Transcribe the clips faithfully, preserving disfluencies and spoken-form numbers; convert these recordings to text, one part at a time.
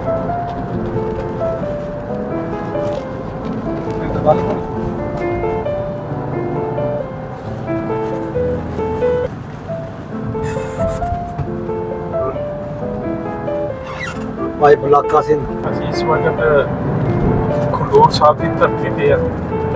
ਭਾਈ ਬਲਾਕਾ ਸਿੰਘ ਅਸੀਂ ਇਸ ਵਕਤ ਖਡੂਰ ਸਾਹਿਬ ਦੀ ਧਰਤੀ ਤੇ ਆ।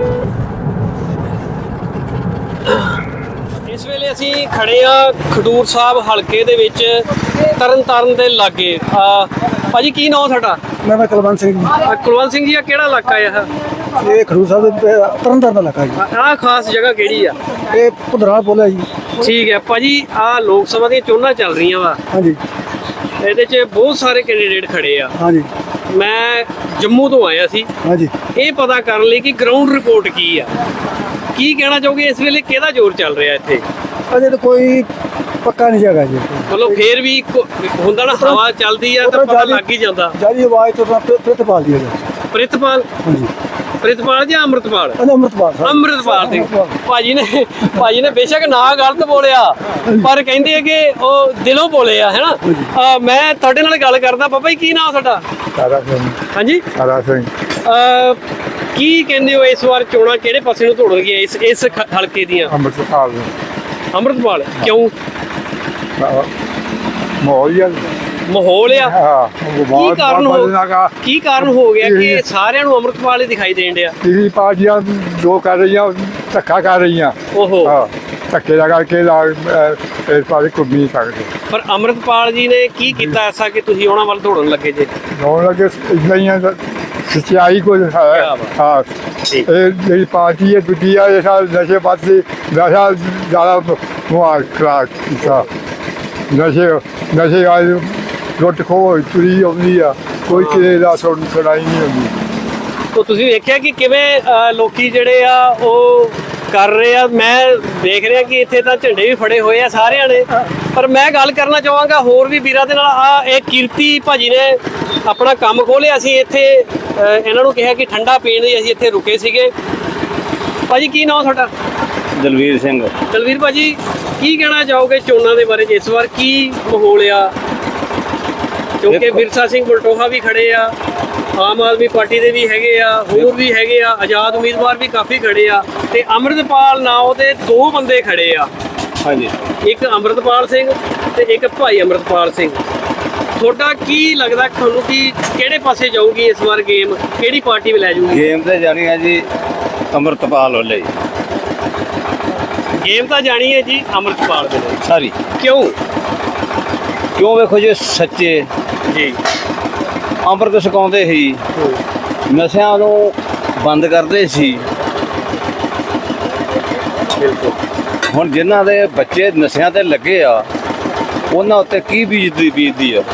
ਇਸ ਵੇਲੇ ਅਸੀਂ ਖੜੇ ਆ ਖਡੂਰ ਸਾਹਿਬ ਹਲਕੇ ਦੇ ਵਿੱਚ ਤਰਨ ਤਾਰਨ ਦੇ ਲਾਗੇ। ਭਾਜੀ ਕੀ ਨਾਮ ਤੁਹਾਡਾ? ਮੈਂ ਕੁਲਵੰਤ ਸਿੰਘ ਜੀ। ਅਹ ਕੁਲਵੰਤ ਸਿੰਘ ਜੀ, ਆ ਕਿਹੜਾ ਇਲਾਕਾ ਹੈ ਇਹ ਖਡੂਰ ਸਾਹਿਬ ਦੇ ਤਰਨ ਤਾਰਨ ਦਾ ਇਲਾਕਾ ਜੀ। ਆਹ ਖਾਸ ਜਗ੍ਹਾ ਕਿਹੜੀ ਆ? ਇਹ ਪੁਧਰਾ ਬੋਲਿਆ ਜੀ। ਠੀਕ ਹੈ ਭਾਜੀ, ਆ ਲੋਕ ਸਭਾ ਦੀਆਂ ਚੋਣਾਂ ਚੱਲ ਰਹੀਆਂ ਵਾ, ਹਾਂਜੀ ਇਹਦੇ 'ਚ ਬਹੁਤ ਸਾਰੇ ਕੈਂਡੀਡੇਟ ਖੜੇ ਆ। ਹਾਂਜੀ ਮੈਂ ਜੰਮੂ ਤੋਂ ਆਇਆ ਸੀ ਹਾਂਜੀ ਇਹ ਪਤਾ ਕਰਨ ਲਈ ਕਿ ਗਰਾਊਂਡ ਰਿਪੋਰਟ ਕੀ ਆ। ਕੀ ਕਹਿਣਾ ਚਾਹੋਗੇ ਇਸ ਵੇਲੇ ਕਿਹਦਾ ਜ਼ੋਰ ਚੱਲ ਰਿਹਾ ਇੱਥੇ? ਅਜੇ ਤਾਂ ਕੋਈ ਪੱਕਾ ਨਹੀਂ ਜਗ੍ਹਾ ਜੀ। ਮਤਲਬ ਫੇਰ ਵੀ ਕੋ- ਹੁੰਦਾ ਨਾ, ਹਵਾ ਚੱਲਦੀ ਆ ਤਾਂ ਪਤਾ ਲੱਗ ਹੀ ਜਾਂਦਾ। ਜਿਆਦੀ ਆਵਾਜ਼ ਤੋਂ ਤਾਂ ਪ੍ਰਿਤਪਾਲ ਦੀ ਹੈ ਜੀ। ਪ੍ਰਿਤਪਾਲ ਹਾਂਜੀ ਪ੍ਰਿਤਪਾਲ ਜਾਂ ਅੰਮ੍ਰਿਤਪਾਲ? ਅਜੇ ਅੰਮ੍ਰਿਤਪਾਲ ਸਾਹਿਬ। ਅੰਮ੍ਰਿਤਪਾਲ ਸਿੰਘ ਭਾਜੀ ਨੇ ਭਾਜੀ ਨੇ ਬੇਸ਼ੱਕ ਨਾ ਗਲਤ ਬੋਲਿਆ, ਪਰ ਕਹਿੰਦੇ ਆ ਕਿ ਉਹ ਦਿਲੋਂ ਬੋਲੇ ਆ, ਹੈਨਾ। ਅਹ ਮੈਂ ਤੁਹਾਡੇ ਨਾਲ ਗੱਲ ਕਰਦਾ। ਬਾਬਾ ਜੀ ਕੀ ਨਾਮ ਤੁਹਾਡਾ? ਤਾਰਾ ਸਿੰਘ। ਹਾਂਜੀ ਤਾਰਾ ਸਿੰਘ। ਅਹ ਕੀ ਕਹਿੰਦੇ ਹੋ ਇਸ ਵਾਰ ਚੋਣਾਂ ਕਿਹੜੇ ਪਾਸੇ ਨੂੰ ਤੋੜਨਗੀਆਂ ਇਸ ਇਸ ਖ- ਹਲਕੇ ਦੀਆਂ? ਅੰਮ੍ਰਿਤਪਾਲ ਅੰਮ੍ਰਿਤਪਾਲ ਕਿਉਂ? ਮੋਹਲੀਆ ਮਾਹੌਲ ਆ। ਹਾਂ ਕੀ ਕਾਰਨ ਹੋ ਕੀ ਕਾਰਨ ਹੋ ਗਿਆ ਕਿ ਸਾਰਿਆਂ ਨੂੰ ਅੰਮ੍ਰਿਤਪਾਲ ਹੀ ਦਿਖਾਈ ਦੇਣ ਡਿਆ? ਤੀਰੀ ਪਾਰਟੀਆਂ ਜੋ ਕਰ ਰਹੀਆਂ ਧੱਕਾ ਕਰ ਰਹੀਆਂ। ਓਹੋ, ਹਾਂ ਧੱਕੇ ਲਗਾ ਕੇ ਲਾ ਇਸ ਪਾਸੇ ਘੁੰਮ ਨਹੀਂ ਸਕਦੇ। ਪਰ ਅੰਮ੍ਰਿਤਪਾਲ ਜੀ ਨੇ ਕੀ ਕੀਤਾ ਐਸਾ ਕਿ ਤੁਸੀਂ ਉਹਨਾਂ ਵੱਲ ਦੌੜਨ ਲੱਗੇ ਜੇ? ਹੋਣ ਲੱਗੇ ਇਦਾਂ ਹੀ ਆ, ਸੱਚਾਈ ਕੁਝ ਹੈ। ਕਿਆ ਬਾਤ। ਹਾਂ ਠੀਕ। ਇਹ ਜਿਹੜੀ ਪਾਰਟੀ ਹੈ ਦੂਜੀ ਆ, ਇਹ ਸਾਲ ਨਸ਼ੇ ਪਾਸੇ ਨਸ਼ਾ ਜ਼ਿਆਦਾ ਮੁਹਾਰ ਖਰਾਕ ਕੀਤਾ। ਨਸ਼ੇ ਨਸ਼ੇ ਆ ਲੁੱਟ ਖੋਹ ਚੋਰੀ ਆਉਂਦੀ ਆ, ਕੋਈ ਕਿਸੇ ਦਾ ਸੁਣ ਸੁਣਾਈ ਨਹੀਂ ਹੁੰਦੀ। ਤਾਂ ਤੁਸੀਂ ਵੇਖਿਆ ਕਿ ਕਿਵੇਂ ਅਹ, ਲੋਕੀ ਜਿਹੜੇ ਆ ਉਹ ਕਰ ਰਹੇ ਆ। ਮੈਂ ਦੇਖ ਰਿਹਾ ਕਿ ਇੱਥੇ ਤਾਂ ਝੰਡੇ ਵੀ ਫੜੇ ਹੋਏ ਆ ਸਾਰਿਆਂ ਨੇ, ਪਰ ਮੈਂ ਗੱਲ ਕਰਨਾ ਚਾਹਾਂਗਾ ਹੋਰ ਵੀ ਵੀਰਾਂ ਦੇ ਨਾਲ। ਆ ਇਹ ਕੀਰਤੀ ਭਾਜੀ ਨੇ ਆਪਣਾ ਕੰਮ ਖੋਲ੍ਹਿਆ ਸੀ ਇੱਥੇ। ਅਹ, ਇਹਨਾਂ ਨੂੰ ਕਿਹਾ ਕਿ ਠੰਡਾ ਪੀਣ ਲਈ ਅਸੀਂ ਇੱਥੇ ਰੁਕੇ ਸੀਗੇ। ਭਾਜੀ ਕੀ ਨਾਮ ਤੁਹਾਡਾ? ਦਲਵੀਰ ਸਿੰਘ। ਦਲਵੀਰ ਭਾਜੀ ਕੀ ਕਹਿਣਾ ਚਾਹੋਗੇ ਚੋਣਾਂ ਦੇ ਬਾਰੇ? ਇਸ ਵਾਰ ਕੀ ਮਾਹੌਲ ਆ? ਕਿਉਂਕਿ ਦੇਖੋ- ਵਿਰਸਾ ਸਿੰਘ ਬਲਟੋਹਾ ਵੀ ਖੜੇ ਆ, ਆਮ ਆਦਮੀ ਪਾਰਟੀ ਦੇ ਵੀ ਹੈਗੇ ਆ, ਹੋਰ ਵੀ ਹੈਗੇ ਆ, ਆਜ਼ਾਦ ਉਮੀਦਵਾਰ ਵੀ ਕਾਫੀ ਖੜੇ ਆ, ਤੇ ਅੰਮ੍ਰਿਤਪਾਲ ਨਾਂ ਦੇ ਦੋ ਬੰਦੇ ਖੜੇ ਆ। ਹਾਂਜੀ, ਇੱਕ ਅੰਮ੍ਰਿਤਪਾਲ ਸਿੰਘ ਤੇ ਇੱਕ ਭਾਈ ਅੰਮ੍ਰਿਤਪਾਲ ਸਿੰਘ। ਤੁਹਾਡਾ ਕੀ ਲੱਗਦਾ ਤੁਹਾਨੂੰ ਕਿ ਕਿਹੜੇ ਪਾਸੇ ਜਾਊਗੀ ਇਸ ਵਾਰ ਗੇਮ? ਕਿਹੜੀ ਪਾਰਟੀ ਵੀ ਲੈ ਜਾਊਗੀ ਗੇਮ ਤੇ ਜਾਣੀ ਹੈ ਜੀ ਅੰਮ੍ਰਿਤਪਾਲ ਵੱਲੇ ਗੇਮ? ਤਾਂ ਜਾਣੀ ਹੈ ਜੀ ਅੰਮ੍ਰਿਤਪਾਲ ਦੇ ਲਈ। ਸਾਰੀ। ਕਿਉਂ? ਕਿਉਂ? ਵੇਖੋ ਜੀ, ਸੱਚੇ ਜੀ ਅੰਮ੍ਰਿਤ ਛਕਾਉਂਦੇ ਸੀ, ਨਸ਼ਿਆਂ ਨੂੰ ਬੰਦ ਕਰਦੇ ਸੀ। ਬਿਲਕੁਲ। ਹੁਣ ਜਿਨ੍ਹਾਂ ਦੇ ਬੱਚੇ ਨਸ਼ਿਆਂ ਤੇ ਲੱਗੇ ਆ ਉਹਨਾਂ ਉੱਤੇ ਕੀ ਬੀਤਦੀ ਬੀਤਦੀ ਆ?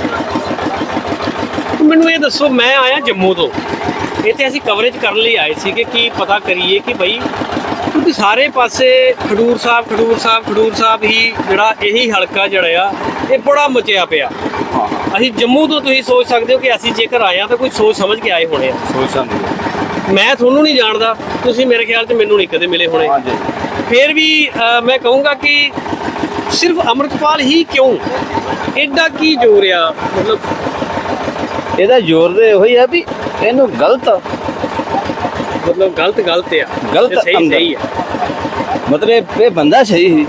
ਮੈਨੂੰ ਇਹ ਦੱਸੋ, ਮੈਂ ਆਇਆ ਜੰਮੂ ਤੋਂ, ਇੱਥੇ ਅਸੀਂ ਕਵਰੇਜ ਕਰਨ ਲਈ ਆਏ ਸੀ ਕਿ ਕੀ ਪਤਾ ਕਰੀਏ ਕਿ ਬਈ, ਕਿਉਂਕਿ ਸਾਰੇ ਪਾਸੇ ਖਡੂਰ ਸਾਹਿਬ ਖਡੂਰ ਸਾਹਿਬ ਖਡੂਰ ਸਾਹਿਬ ਹੀ ਜਿਹੜਾ ਇਹੀ ਹਲਕਾ ਜਿਹੜਾ ਆ ਇਹ ਬੜਾ ਮਚਿਆ ਪਿਆ। ਅਸੀਂ ਜੰਮੂ ਤੋਂ, ਤੁਸੀਂ ਸੋਚ ਸਕਦੇ ਹੋ ਕਿ ਅਸੀਂ ਜੇਕਰ ਆਏ ਆ ਤਾਂ ਕੋਈ ਸੋਚ ਸਮਝ ਕੇ ਆਏ ਹੋਣੇ ਆ। ਸੋਚ ਸਮਝ। ਮੈਂ ਤੁਹਾਨੂੰ ਨਹੀਂ ਜਾਣਦਾ, ਤੁਸੀਂ ਮੇਰੇ ਖਿਆਲ 'ਚ ਮੈਨੂੰ ਨਹੀਂ ਕਦੇ ਮਿਲੇ ਹੋਣੇ। ਹਾਂਜੀ। ਫਿਰ ਵੀ ਅਹ, ਮੈਂ ਕਹੂੰਗਾ ਕਿ ਸਿਰਫ ਅੰਮ੍ਰਿਤਪਾਲ ਹੀ ਕਿਉਂ? ਐਡਾ ਕੀ ਜ਼ੋਰ ਆ? ਮਤਲਬ ਇਹਦਾ ਜ਼ੋਰ ਦੇ ਉਹੀ ਆ ਵੀ ਇਹਨੂੰ ਗਲਤ ਮਤਲਬ ਗਲਤ ਗਲਤ ਆ, ਗਲਤ ਤੇ ਸਹੀ ਅੰਦਰ। ਸਹੀ ਆ। ਮਤਲਬ ਇਹ ਬੰਦਾ ਸਹੀ ਸੀ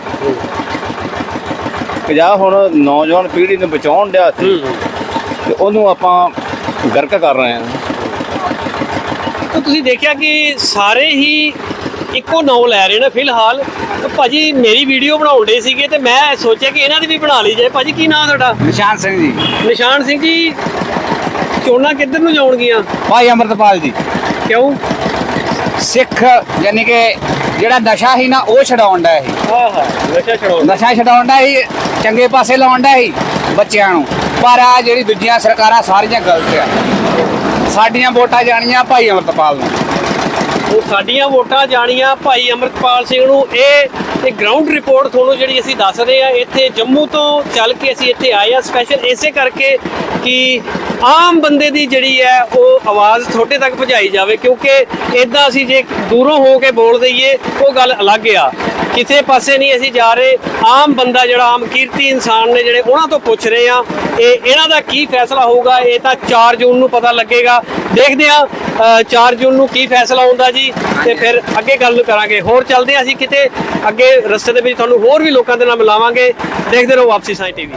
ਕਿ ਜਾਂ ਹੁਣ ਨੌਜਵਾਨ ਪੀੜ੍ਹੀ ਨੂੰ ਬਚਾਉਣ ਡਿਆ ਸੀ ਤੇ ਉਹਨੂੰ ਆਪਾਂ ਗਰਕ ਕਰ ਰਹੇ ਹਾਂ। ਤਾਂ ਤੁਸੀਂ ਦੇਖਿਆ ਕਿ ਸਾਰੇ ਹੀ ਇੱਕੋ ਨਾਂ ਲੈ ਰਹੇ ਨੇ ਫਿਲਹਾਲ। ਤਾਂ ਭਾਜੀ ਮੇਰੀ ਵੀਡੀਓ ਬਣਾਉਣ ਦੇ ਸੀਗੇ ਤੇ ਮੈਂ ਸੋਚਿਆ ਕਿ ਇਹਨਾਂ ਦੀ ਵੀ ਬਣਾ ਲਈ ਜਾਏ। ਭਾਜੀ ਕੀ ਨਾਮ ਤੁਹਾਡਾ? ਨਿਸ਼ਾਨ ਸਿੰਘ ਜੀ। ਨਿਸ਼ਾਨ ਸਿੰਘ ਜੀ, ਚੋਣਾਂ ਕਿੱਧਰ ਨੂੰ ਜਾਣਗੀਆਂ? ਭਾਈ ਅੰਮ੍ਰਿਤਪਾਲ ਜੀ। ਕਿਉਂ? ਸਿੱਖ ਯਾਨੀ ਕਿ ਜਿਹੜਾ ਨਸ਼ਾ ਸੀ ਨਾ ਉਹ ਛਡਾਉਣ ਦਾ ਸੀ। ਆਹਾ, ਨਸ਼ਾ ਛਡਾਉਣ। ਨਸ਼ਾ ਛਡਾਉਣ ਦਾ ਸੀ, ਚੰਗੇ ਪਾਸੇ ਲਾਉਣ ਦਾ ਸੀ ਬੱਚਿਆਂ ਨੂੰ। ਪਰ ਆ ਜਿਹੜੀ ਦੂਜੀਆਂ ਸਰਕਾਰਾਂ ਸਾਰੀਆਂ ਗਲਤ ਆ। ਸਾਡੀਆਂ ਵੋਟਾਂ ਜਾਣੀਆਂ ਭਾਈ ਅੰਮ੍ਰਿਤਪਾਲ ਨੂੰ। ਉਹ ਸਾਡੀਆਂ ਵੋਟਾਂ ਜਾਣੀਆਂ ਭਾਈ ਅੰਮ੍ਰਿਤਪਾਲ ਸਿੰਘ ਨੂੰ। ਇਹ ਤੇ ਗਰਾਊਂਡ ਰਿਪੋਰਟ ਤੁਹਾਨੂੰ ਜਿਹੜੀ ਅਸੀਂ ਦੱਸ ਰਹੇ ਆ, ਇੱਥੇ ਜੰਮੂ ਤੋਂ ਚੱਲ ਕੇ ਅਸੀਂ ਇੱਥੇ ਆਏ ਆ ਸਪੈਸ਼ਲ ਇਸੇ ਕਰਕੇ ਕਿ ਆਮ ਬੰਦੇ ਦੀ ਜਿਹੜੀ ਹੈ ਉਹ ਆਵਾਜ਼ ਤੁਹਾਡੇ ਤੱਕ ਪਹੁੰਚਾਈ ਜਾਵੇ, ਕਿਉਂਕਿ ਇਦਾਂ ਅਸੀਂ ਜੇ ਦੂਰੋਂ ਹੋ ਕੇ ਬੋਲ ਦਈਏ ਉਹ ਗੱਲ ਅਲੱਗ ਆ। ਕਿਸੇ ਪਾਸੇ ਨਹੀਂ ਅਸੀਂ ਜਾ ਰਹੇ, ਆਮ ਬੰਦਾ ਜਿਹੜਾ ਆਮ ਕੀਰਤੀ ਇਨਸਾਨ ਨੇ ਜਿਹੜੇ ਉਹਨਾਂ ਤੋਂ ਪੁੱਛ ਰਹੇ ਆ ਇਹ ਇਹਨਾਂ ਦਾ ਕੀ ਫੈਸਲਾ ਹੋਊਗਾ, ਇਹ ਤਾਂ ਚਾਰ ਜੂਨ ਨੂੰ ਪਤਾ ਲੱਗੇਗਾ। ਦੇਖਦੇ ਆ ਚਾਰ ਜੂਨ ਨੂੰ ਕੀ ਫੈਸਲਾ ਹੁੰਦਾ ਜੀ, ਤੇ ਫਿਰ ਅੱਗੇ ਗੱਲ ਕਰਾਂਗੇ। ਹੋਰ ਚੱਲਦੇ ਆ ਅਸੀਂ ਕਿਤੇ ਅੱਗੇ ਰਸਤੇ ਦੇ ਵਿੱਚ, ਤੁਹਾਨੂੰ ਹੋਰ ਵੀ ਲੋਕਾਂ ਦੇ ਨਾਲ ਮਿਲਾਵਾਂਗੇ। ਦੇਖਦੇ ਰਹੋ ਵਾਪਸੀ ਸਾਈਂ ਟੀਵੀ।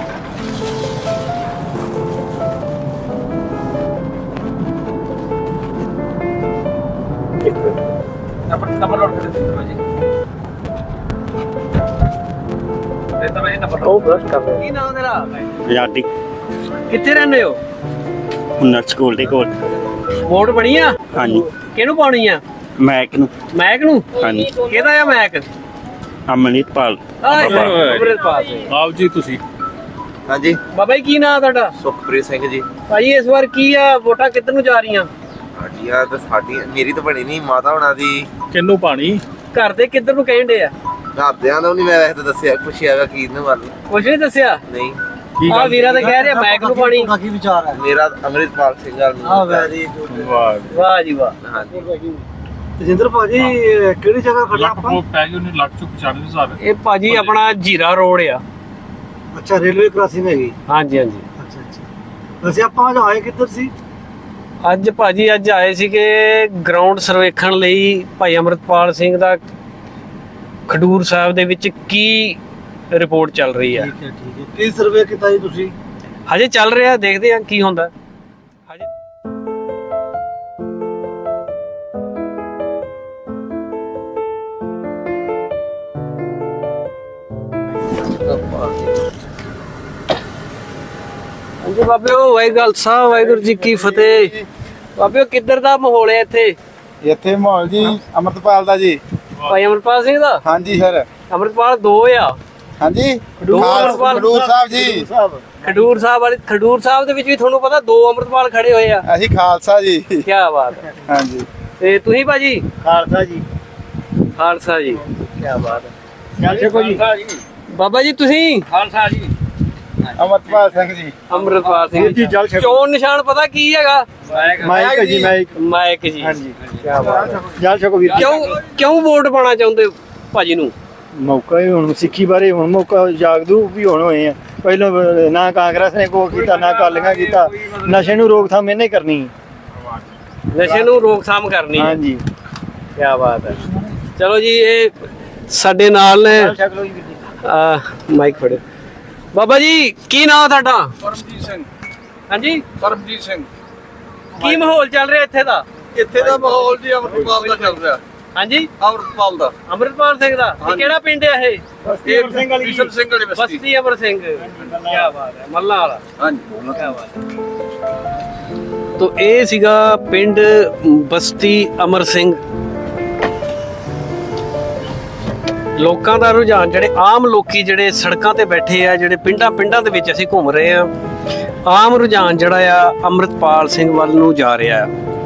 ਕੀ ਨਾਮ ਤੇਰਾ? ਆਜ਼ਾਦੀ ਕਿੱਥੇ ਰਹਿੰਦੇ ਹੋ? ਹੁਨਰ ਸਕੂਲ ਦੇ ਕੋਲ। ਵੋਟ ਬਣੀ ਆ? ਹਾਂਜੀ। ਕਿਹਨੂੰ ਪਾਉਣੀ ਆ? ਮੈਕ ਨੂੰ। ਮੈਕ ਨੂੰ? ਹਾਂਜੀ। ਕਿਹਦਾ ਆ ਮੈਕ? ਅਮਨਿਤਪਾਲ। ਅੰਮ੍ਰਿਤਪਾਲ ਸਿੰਘ। ਆਓ ਜੀ ਤੁਸੀਂ। ਹਾਂਜੀ ਬਾਬਾ ਜੀ ਕੀ ਨਾਮ ਤੁਹਾਡਾ? ਸੁਖਪ੍ਰੀਤ ਸਿੰਘ ਜੀ। ਭਾਜੀ ਇਸ ਵਾਰ ਕੀ ਆ, ਵੋਟਾਂ ਕਿੱਧਰ ਨੂੰ ਜਾ ਰਹੀਆਂ? ਸਾਡੀ ਆ ਤਾਂ ਸਾਡੀ ਮੇਰੀ ਤਾਂ ਬਣੀ ਨਹੀਂ, ਮਾਤਾ ਹੋਣਾ ਦੀ। ਕਿੰਨੂੰ ਪਾਣੀ? ਘਰ ਦੇ ਕਿੱਧਰ ਨੂੰ ਕਹਿੰਦੇ ਆ? ਘਰਦਿਆਂ ਦਾ ਨਹੀਂ, ਮੈਂ ਵੈਸੇ ਤਾਂ ਦੱਸਿਆ ਪੁੱਛਿਆਗਾ ਕੀ ਇਹਨੂੰ ਵੱਲ ਕੁਝ ਨਹੀਂ ਦੱਸਿਆ? ਨਹੀਂ। ਆ ਵੀਰਾ ਤਾਂ ਕਹਿ ਰਿਹਾ ਮੈਕ ਨੂੰ ਪਾਣੀ। ਕੀ ਵਿਚਾਰ ਹੈ? ਮੇਰਾ ਅੰਮ੍ਰਿਤਪਾਲ ਸਿੰਘ ਗੱਲ ਆ ਵੈਰੀ ਗੁੱਡ। ਵਾਹ ਵਾਹ ਜੀ ਵਾਹ। ਹਾਂਜੀ ਤੇਜਿੰਦਰ ਭਾਜੀ ਕਿਹੜੀ ਜਗ੍ਹਾ ਖੜਾ ਲੱਖ ਆਪਾਂ? ਰੁਪਏ ਪੈ ਗਏ ਉਹਨੇ, ਲੱਖ ਚੋਂ ਪਚਾਨਵੇਂ ਹਜ਼ਾਰ। ਇਹ ਭਾਜੀ ਆਪਣਾ ਜੀਰਾ ਰੋਡ ਆ। ਅੱਛਾ, ਰੇਲਵੇ ਕ੍ਰਾਸਿੰਗ ਹੈਗੀ। ਹਾਂਜੀ ਹਾਂਜੀ। ਅੱਛਾ ਅੱਛਾ। ਵੈਸੇ ਆਪਾਂ ਅੱਜ ਆਏ ਕਿੱਧਰ ਸੀ? ਅੱਜ ਭਾਜੀ ਅੱਜ ਆਏ ਸੀਗੇ ਗਰਾਊਂਡ ਸਰਵੇਖਣ ਲਈ, ਭਾਈ ਅੰਮ੍ਰਿਤਪਾਲ ਸਿੰਘ ਦਾ ਖਡੂਰ ਸਾਹਿਬ ਦੇ ਵਿੱਚ ਕੀ ਰਿਪੋਰਟ ਚੱਲ ਰਹੀ ਆ। ਠੀਕ ਹੈ ਠੀਕ ਹੈ। ਕੀ ਸਰਵੇ ਕੀਤਾ ਜੀ ਤੁਸੀਂ? ਹਜੇ ਚੱਲ ਰਿਹਾ, ਦੇਖਦੇ ਆ ਕੀ ਹੁੰਦਾ ਹਜੇ। ਹਾਂਜੀ ਬਾਬਿਓ, ਵਾਹਿਗੁਰੂ ਸਾਹਿਬ, ਵਾਹਿਗੁਰੂ ਜੀ ਕੀ ਫਤਿਹ। ਬਾਬਿਓ ਕਿੱਧਰ ਦਾ ਮਾਹੌਲ ਹੈ ਇੱਥੇ? ਇੱਥੇ ਮਾਹੌਲ ਜੀ ਅਮਰਤਪਾਲ ਦਾ ਜੀ। ਭਾਈ ਅੰਮ੍ਰਿਤਪਾਲ ਸਿੰਘ ਦਾ? ਹਾਂਜੀ ਸਰ। ਅੰਮ੍ਰਿਤਪਾਲ ਦੋ ਆ। ਹਾਂਜੀ ਖਡੂਰ ਸਾਹਿਬ। ਖਡੂਰ ਸਾਹਿਬ ਜੀ। ਖਡੂਰ ਸਾਹਿਬ ਵਾਲੇ, ਖਡੂਰ ਸਾਹਿਬ ਦੇ ਵਿੱਚ ਵੀ ਤੁਹਾਨੂੰ ਪਤਾ ਦੋ ਅੰਮ੍ਰਿਤਪਾਲ ਖੜੇ ਹੋਏ ਆ। ਅਸੀਂ ਖਾਲਸਾ ਜੀ। ਕੀ ਬਾਤ ਹੈ। ਹਾਂਜੀ। ਤੇ ਤੁਸੀਂ ਭਾਜੀ? ਖਾਲਸਾ ਜੀ। ਖਾਲਸਾ ਜੀ। ਕੀ ਬਾਤ ਹੈ। ਚੱਲ ਚੱਕੋ ਜੀ। ਬਾਬਾ ਜੀ ਤੁਸੀਂ? ਖਾਲਸਾ ਜੀ। ਅਮਰਤਪਾਲ ਸਿੰਘ ਜੀ। ਅੰਮ੍ਰਿਤਪਾਲ ਸਿੰਘ ਜੀ, ਜਲ ਛਕੋ। ਚੋਣ ਨਿਸ਼ਾਨ ਪਤਾ ਕੀ ਹੈਗਾ? ਮਾਈਕ ਜੀ, ਮਾਈਕ। ਮਾਈਕ ਜੀ। ਹਾਂਜੀ। ਕੀ ਬਾਤ ਹੈ। ਜਲ ਛਕੋ ਵੀਰ। ਕਿਉਂ ਕਿਉਂ ਵੋਟ ਪਾਣਾ ਚਾਹੁੰਦੇ ਹੋ ਭਾਜੀ ਨੂੰ? ਮੌਕਾ ਹੀ ਹੁਣ ਸਿੱਖੀ ਬਾਰੇ ਹੁਣ ਮੌਕਾ ਜਾਗਦੂ ਵੀ ਹੁਣ ਹੋਏ ਆ। ਪਹਿਲਾਂ ਨਾ ਕਾਂਗਰਸ ਨੇ ਕੋ ਕੀਤਾ ਨਾ ਅਕਾਲੀਆਂ ਕੀਤਾ। ਨਸ਼ੇ ਨੂੰ ਰੋਕਥਾਮ ਇਹਨੇ ਕਰਨੀ। ਨਸ਼ੇ ਨੂੰ ਰੋਕਥਾਮ ਕਰਨੀ ਹੈ। ਹਾਂਜੀ। ਕੀ ਬਾਤ ਹੈ। ਚਲੋ ਜੀ, ਇਹ ਸਾਡੇ ਨਾਲ ਨੇ। ਛਕ ਲਓ ਜੀ ਵੀਰ ਜੀ। ਆ ਮਾਈਕ ਫੜੋ। ਬਾਬਾ ਜੀ ਕੀ ਨਾਮ ਤੁਹਾਡਾ? ਪਰਮਜੀਤ ਸਿੰਘ। ਹਾਂਜੀ। ਪਰਮਜੀਤ ਸਿੰਘ। ਕੀ ਮਾਹੌਲ ਚੱਲ ਰਿਹਾ ਇੱਥੇ ਦਾ? ਇੱਥੇ ਦਾ ਮਾਹੌਲ ਜੀ ਅਮਰਪਾਲ ਦਾ ਚੱਲ ਰਿਹਾ। ਹਾਂਜੀ। ਅਮਰਪਾਲ ਦਾ। ਅੰਮ੍ਰਿਤਪਾਲ ਸਿੰਘ ਦਾ? ਇਹ ਕਿਹੜਾ ਪਿੰਡ ਹੈ ਇਹ? ਇਹ ਬਿਸ਼ਨ ਸਿੰਘ ਵਾਲੀ ਬਸਤੀ। ਬਸਤੀ ਅਮਰ ਸਿੰਘ। ਕੀ ਬਾਤ ਹੈ। ਮੱਲਾ ਵਾਲਾ। ਹਾਂਜੀ। ਕੀ ਬਾਤ ਹੈ। ਤੋ ਇਹ ਸੀਗਾ ਪਿੰਡ ਬਸਤੀ ਅਮਰ ਸਿੰਘ। ਲੋਕਾਂ ਦਾ ਰੁਝਾਨ, ਜਿਹੜੇ ਆਮ ਲੋਕੀ ਜਿਹੜੇ ਸੜਕਾਂ ਤੇ ਬੈਠੇ ਆ, ਜਿਹੜੇ ਪਿੰਡਾਂ ਪਿੰਡਾਂ ਦੇ ਵਿੱਚ ਅਸੀਂ ਘੁੰਮ ਰਹੇ ਆ, ਆਮ ਰੁਝਾਨ ਜਿਹੜਾ ਆ ਅੰਮ੍ਰਿਤਪਾਲ ਸਿੰਘ ਵੱਲ ਨੂੰ ਜਾ ਰਿਹਾ ਆ।